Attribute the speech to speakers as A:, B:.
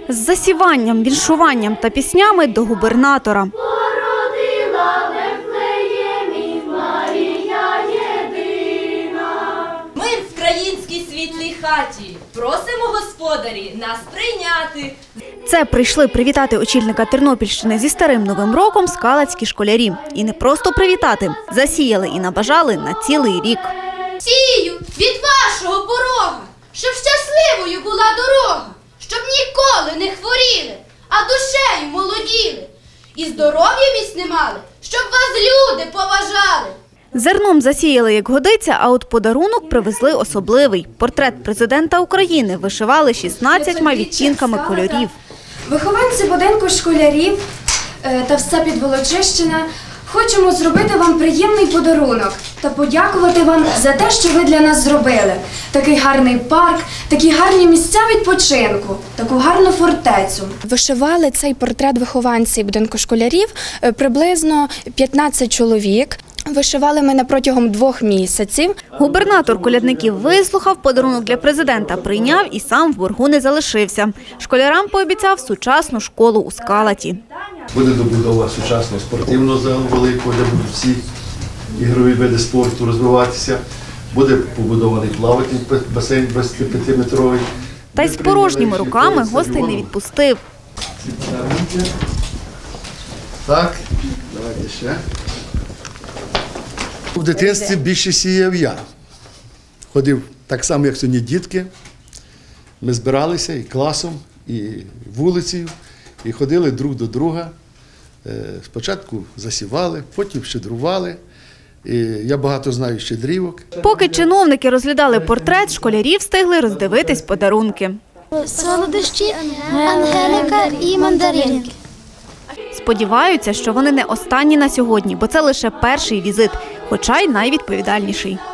A: З засіванням, віншуванням та піснями до губернатора.
B: Мир в країнській світлій хаті. Просимо, господарі, нас прийняти.
A: Це прийшли привітати очільника Тернопільщини зі Старим Новим роком скалацькі школярі. І не просто привітати, засіяли і набажали на цілий рік.
C: Сію від вашого порога, щоб щасливою була дорога, щоб ніколи не хворіли, а душею молоділи. І здоров'я міцне мали, щоб вас люди поважали.
A: Зерном засіяли, як годиться, а от подарунок привезли особливий. Портрет президента України вишивали 16 відтінками кольорів.
D: Вихованці будинку школярів та все Підволочищина хочемо зробити вам приємний подарунок та подякувати вам за те, що ви для нас зробили. Такий гарний парк, такі гарні місця відпочинку, таку гарну фортецю.
E: Вишивали цей портрет вихованці будинку школярів приблизно 15 чоловік. Вишивали ми протягом 2 місяців.
A: Губернатор колядників вислухав, подарунок для президента прийняв і сам в боргу не залишився. Школярам пообіцяв сучасну школу у Скалаті.
F: Буде добудова сучасного спортивного залу великого, де будуть всі ігрові види спорту розвиватися. Буде побудований плавательний басейн 25-метровий.
A: Та й з порожніми руками гостей не відпустив.
F: Так, давайте ще. В дитинстві більше сіяв я. Ходив так само, як сьогодні дітки. Ми збиралися і класом, і вулицею, і ходили друг до друга. Спочатку засівали, потім щедрували. І я багато знаю щедрівок.
A: Поки чиновники розглядали портрет, школярі встигли роздивитись подарунки.
G: Солодощі, ангелика і мандаринки.
A: Сподіваються, що вони не останні на сьогодні, бо це лише перший візит, хоча й найвідповідальніший.